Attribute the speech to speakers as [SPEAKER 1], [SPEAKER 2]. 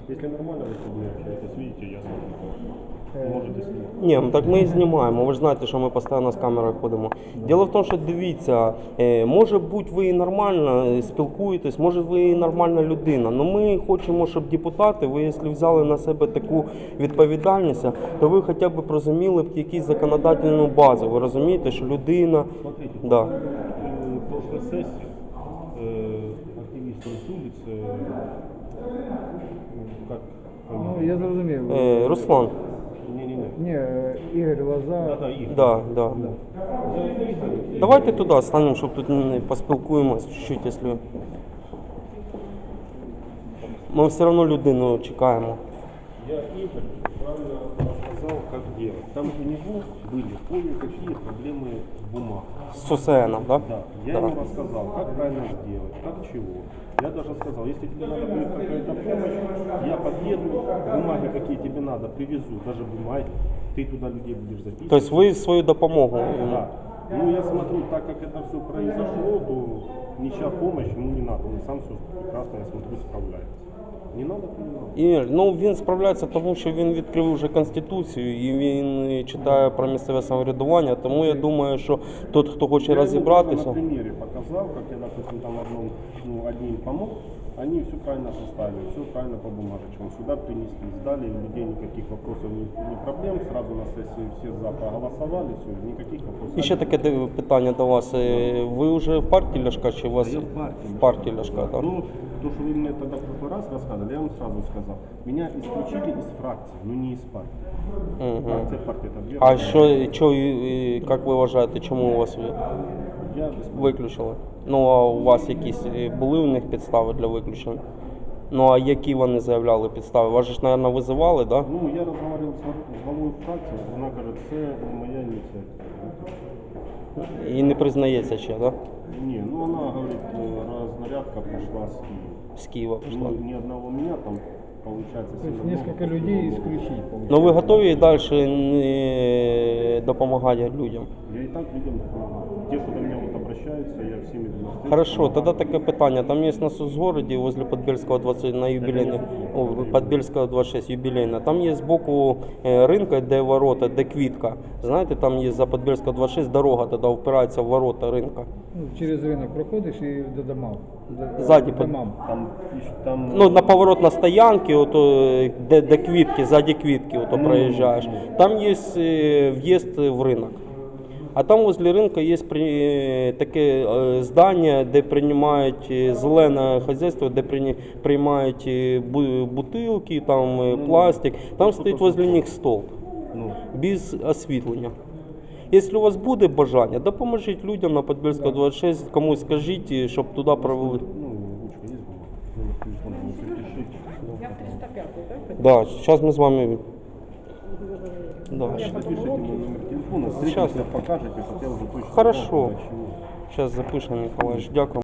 [SPEAKER 1] Если нормально вы с людьми общаетесь, видите, я смотрю. Можете снимать.
[SPEAKER 2] Ні, ну так ми і знімаємо. Ви ж знаєте, що ми постійно з камерою ходимо. Діло в тому, що дивіться, може бути ви і нормально спілкуєтесь, може ви і нормальна людина. Але ми хочемо, щоб депутати, ви якщо взяли на себе таку відповідальність, то ви хоча б розуміли б якусь законодательну базу. Ви розумієте, що людина...
[SPEAKER 1] Смотрите,
[SPEAKER 2] Да.
[SPEAKER 1] прошлой сессии активисты с улицы, как...
[SPEAKER 3] Ну, я зрозумів.
[SPEAKER 2] Руслан.
[SPEAKER 1] Не-не-не.
[SPEAKER 3] Ні, Ігор Лоза.
[SPEAKER 1] Да, их.
[SPEAKER 2] Да, да. Давайте туди станемо, щоб тут поспілкуємось чуть-чуть, якщо... Ми все одно людину чекаємо.
[SPEAKER 1] Я Игорь правильно рассказал, как делать. Там у него были кое-какие проблемы с бумагой.
[SPEAKER 2] З СУСН, да?
[SPEAKER 1] Да, я ему рассказал, как правильно сделать, как чего. Я даже сказал, если тебе надо будет какая-то помощь, я подъеду, бумаги какие тебе надо, привезу, даже бумаги, ты туда людей будешь записывать.
[SPEAKER 2] Тобто ви свою допомогу.
[SPEAKER 1] Да. Ну, я смотрю, так как это все произошло, то ничья помощь ему не надо. Он сам все прекрасно, я смотрю, справляется. Не надо, то не надо.
[SPEAKER 2] І, ну, він справляється тому, що він відкрив вже Конституцію і він читає про місцеве самоврядування, тому я думаю, що тот, хто хоче
[SPEAKER 1] Я ему
[SPEAKER 2] розібратися...
[SPEAKER 1] на примере показал, как я, допустим, там одним помог, они все правильно составили, все правильно по бумажечкам. Сюда принесли, сдали, у людей никаких вопросов, ни проблем, сразу на сессии все за проголосовали, все, никаких вопросов.
[SPEAKER 2] І ще таке питання до вас. Ви вже в партії Ляшка чи у вас
[SPEAKER 1] Я в партии.
[SPEAKER 2] в партії Ляшка, так?
[SPEAKER 1] Ну, то, что вы мне тогда в прошлый раз рассказывали, я вам сразу сказал. Меня исключили из фракции, но не из партии. Фракция партии это две.
[SPEAKER 2] А що, як ви вважаєте, чому у вас
[SPEAKER 1] Я без партии.
[SPEAKER 2] виключили? Ну, а у вас якісь були у них підстави для виключення? Ну, а які вони заявляли підстави? Вас же ж, мабуть, визивали, так?
[SPEAKER 1] Ну, я разговаривал с главой фракции, она говорит, это моя инициатива.
[SPEAKER 2] Да? І не признається ще, так?
[SPEAKER 1] Не, ну она говорит, разнарядка пошла с Киева.
[SPEAKER 2] З Києва пішла.
[SPEAKER 1] Ну, ни одного меня там, получается,
[SPEAKER 3] То есть
[SPEAKER 1] сильно
[SPEAKER 3] несколько
[SPEAKER 1] много.
[SPEAKER 3] людей исключить.
[SPEAKER 2] Ну, ви готові і далі допомагати людям?
[SPEAKER 1] Я и так людям помогаю. Те, кто до меня вот обращаются, я всеми навстречу.
[SPEAKER 2] Хорошо, тогда такое питание. Там есть на Соцгороде возле Подбельского 20 на юбилейной, Подбельского 26 юбилейная. Там есть сбоку рынка, де ворота, де квітка. Знаєте, там є за Подбельского 26 дорога, тоді впирається в ворота ринка.
[SPEAKER 3] Ну, через ринок проходиш і до домам.
[SPEAKER 2] Ззаді
[SPEAKER 3] до домам.
[SPEAKER 1] Там
[SPEAKER 2] Ну, на поворот на стоянки, де квітки, ззаді квітки проїжджаєш. Там є в'їзд в ринок. А там возле ринку є таке здання, де приймають зелене хазяйство, де приймають бутилки, там пластик. Там стоїть возле них столб, без освітлення. Якщо у вас буде бажання, допоможіть людям на Подбельського 26, комусь скажіть, щоб туди провели.
[SPEAKER 1] ручка есть бумага? Номер телефона можете пишите.
[SPEAKER 4] Я в 305, так?
[SPEAKER 2] Да, зараз ми з вами... Да.
[SPEAKER 1] Запишите мой номер телефона,
[SPEAKER 2] Сейчас.
[SPEAKER 1] встретимся, покажете, чтобы я уже точно
[SPEAKER 2] Хорошо.
[SPEAKER 1] знал, куда, чего.
[SPEAKER 2] Зараз запишемо, Миколаївич. Дякую.